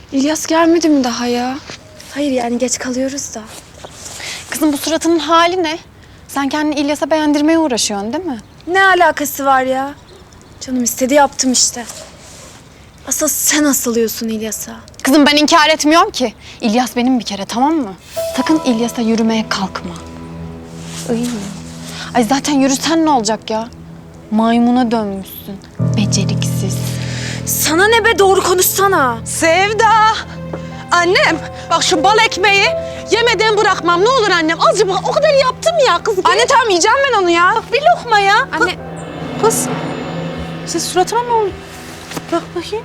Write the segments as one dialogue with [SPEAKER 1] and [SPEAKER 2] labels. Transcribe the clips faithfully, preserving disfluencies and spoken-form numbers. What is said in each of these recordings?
[SPEAKER 1] İlyas gelmedi mi daha ya? Hayır yani geç kalıyoruz da.
[SPEAKER 2] Kızım bu suratının hali ne? Sen kendini İlyas'a beğendirmeye uğraşıyorsun değil mi?
[SPEAKER 1] Ne alakası var ya? Canım istedi yaptım işte. Asıl sen asılıyorsun İlyas'a.
[SPEAKER 2] Kızım ben inkar etmiyorum ki. İlyas benim bir kere, tamam mı? Sakın İlyas'a yürümeye kalkma. Iy. Ay zaten yürüsen ne olacak ya? Maymuna dönmüşsün. Beceriksiz.
[SPEAKER 1] Sana ne be, doğru konuşsana.
[SPEAKER 3] Sevda! Annem, bak şu bal ekmeği yemeden bırakmam. Ne olur annem, azıcık bak, o kadar yaptım ya kız.
[SPEAKER 1] Anne tamam yiyeceğim ben onu ya.
[SPEAKER 3] Bak bir lokma ya.
[SPEAKER 1] Anne
[SPEAKER 3] Kız, sen suratına ne oldu? Bak bakayım.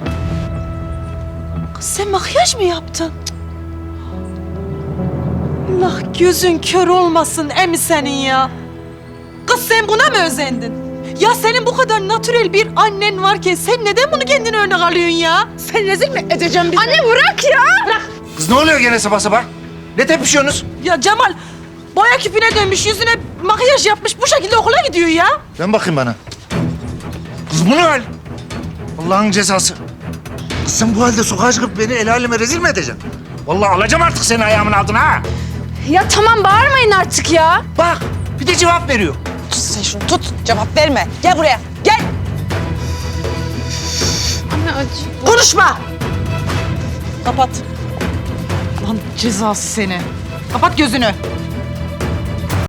[SPEAKER 3] Kız sen makyaj mı yaptın? Allah gözün kör olmasın emi senin ya. Kız sen buna mı özendin? Ya senin bu kadar natürel bir annen varken sen neden bunu kendine örnek alıyorsun ya? Sen rezil mi edeceğim bizi?
[SPEAKER 1] Anne bırak ya.
[SPEAKER 3] Bırak.
[SPEAKER 4] Kız ne oluyor gene sabah sabah? Ne tepişiyorsunuz?
[SPEAKER 3] Ya Cemal boya küpüne dönmüş, yüzüne makyaj yapmış, bu şekilde okula gidiyor ya.
[SPEAKER 4] Dön bakayım bana. Kız bu ne hal? Allah'ın cezası. Kız sen bu halde sokağa çıkıp beni el aleme rezil mi edeceksin? Vallahi alacağım artık seni ayağımın altına ha.
[SPEAKER 1] Ya tamam bağırmayın artık ya.
[SPEAKER 4] Bak bir de cevap veriyor.
[SPEAKER 3] Sen şunu tut, cevap verme. Gel buraya, gel.
[SPEAKER 1] Anne acı.
[SPEAKER 3] Konuşma. Kapat. Lan cezası seni. Kapat gözünü.